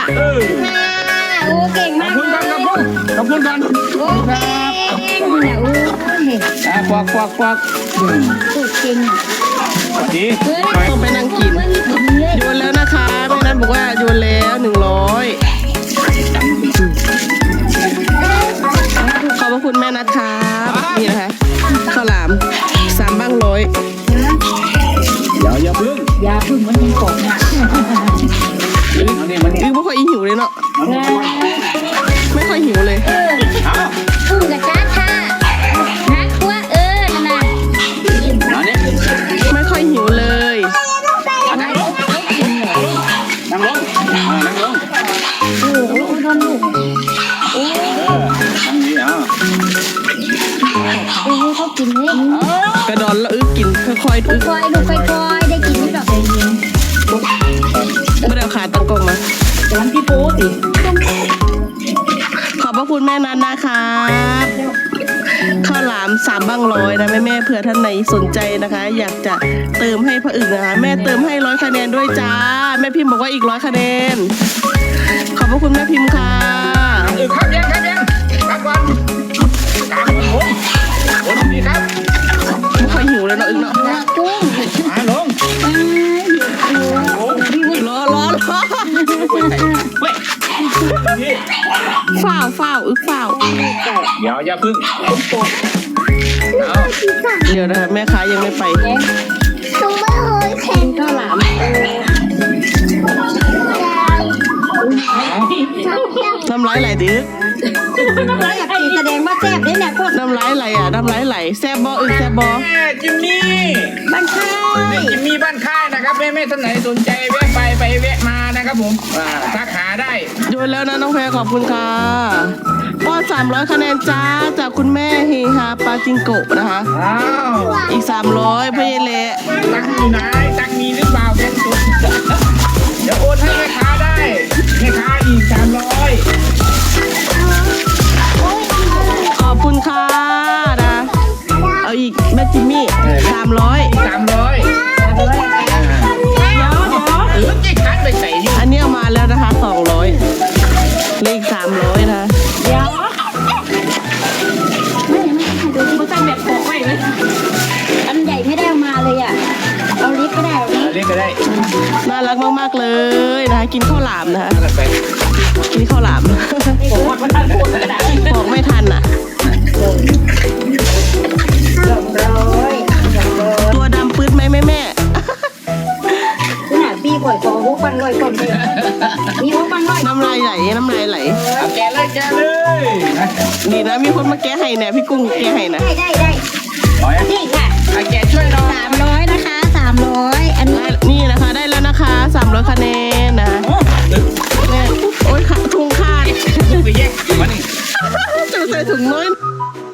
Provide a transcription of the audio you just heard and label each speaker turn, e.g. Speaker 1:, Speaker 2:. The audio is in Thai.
Speaker 1: โอ้เก่งมาก
Speaker 2: ขอบคุณกัน
Speaker 1: โอ้เก่งเนี่ยโอ้
Speaker 2: ควัก
Speaker 1: สุดจริงอ่ะ
Speaker 2: ดี
Speaker 3: ต้องไปนั่งกินโยนแล้วนะคะแม่นัทบอกว่าโยนแล้ว100ขอบพระคุณแม่นัทครับนี่นะคะข้าวหลาม3 บ้าง100
Speaker 2: อย่าพึ่ง
Speaker 1: มันยังกบอ่ะ
Speaker 3: ไม่ค่อยหิวเลยเนาะไม่ค่อยหิวเลย
Speaker 1: พึ่งกับจ้าค่ะนักว่านั่นน่ะ
Speaker 3: ไม่ค่อยหิวเลย
Speaker 2: นั่งลง
Speaker 1: โอ้โดนลูก
Speaker 2: นั่งดี
Speaker 1: โอ้เขากินเลย
Speaker 3: กระดอนแล้วกินค่อยๆ
Speaker 1: ค่อยๆลูกค่อยๆได้กินไม่ดอกใจเย็น
Speaker 3: ไม่ได้เอาขาตั้งกล้องมา
Speaker 1: ร้านพี่ปูสิ
Speaker 3: ขอบพระคุณแม่นัทนะครับข้าวหลาม3 บ้าง100นะแม่เผื่อท่านไหนสนใจนะคะ อยากจะเติมให้พ่ออึ่งนะคะแม่เติมให้100 คะแนนด้วยจ้าแม่พิมพ์บอกว่าอีก100 คะแนนขอบพระคุณแม่พิมพ์ค่ะ
Speaker 2: ครับยังครับก่อนกลางผมดีครับ
Speaker 3: ไม่ค่อยหิวเลยเนาะอึ่งเนาะ
Speaker 1: กุ้ง
Speaker 2: ลง
Speaker 3: รอฝ้าวอึกฝ้าว
Speaker 2: อย่าพึ่ง
Speaker 3: เดี๋ยวนะคะแม่ค้ายังไม่ไป
Speaker 1: ตุ้งไม่เคยแข่งข้าวหลาม
Speaker 3: น้ำลายไหลดิ
Speaker 1: น้ำลายอยากกินแสดงว่าแซ่บเนี่ยพวก
Speaker 3: น้ำลายไหลน้ำลายไหลแซ่บบออึกแซ่บบอ
Speaker 2: จิมมี่
Speaker 1: บ้านค่าย
Speaker 2: จิมมี่บ้านค่ายนะครับแม่ท่านไหนสนใจแวะไปแวะมานะครับผมทักหาได้
Speaker 3: โยนแล้วนะน้องแพรขอบคุณค่ะป้อน300 คะแนนจ้าจากคุณแม่เฮฮาปาจิงโกะนะคะ อีก300พ่อเยเละ
Speaker 2: ตังอยู่ไหนตังมีหรือเปล่าแกสุดเดี๋ยวโอนให้แม่ค้าได้แม่ค้าอีก300
Speaker 3: ขอบคุณค่ะนะเอาอีกแม่จิมมี่300
Speaker 2: จิกคันไปใส่อยู่
Speaker 3: อันนี้เอามาแล้วนะคะ200เลข300นะ
Speaker 1: เดี๋ยวไม่ใช่แบบปอกไว้เลยอันใหญ่ไม่ได้เอามาเลยอ่ะเอาเล็กก็ได้
Speaker 2: เรียกก็ได้
Speaker 3: น่ารักมากๆเลยนะคะกินข้าวหลามนะคะกินข้าวหลามบอกไม่ทันอ่ะตัวดำปื๊ดไหมแม่
Speaker 1: ขนาดพี่ปล่อยฟองพวกปังลอยคนเลยมีพวกปังลอย
Speaker 3: น้ำลายไหล
Speaker 2: แกเลย
Speaker 3: ดีนะมีคนมาแก้ให้เนี่ยพี่กุ้งแก้ให้นะ
Speaker 1: ได้นี่ค่ะ
Speaker 2: แกช่วยเรา
Speaker 1: 300นะคะ300อันนี้
Speaker 3: นี่นะคะได้แล้วนะคะ300 คะแนนนะเนี่ยโอ๊ยถุงขาด
Speaker 2: ไปแยกมานี่
Speaker 3: จะใส่ถุงน้อย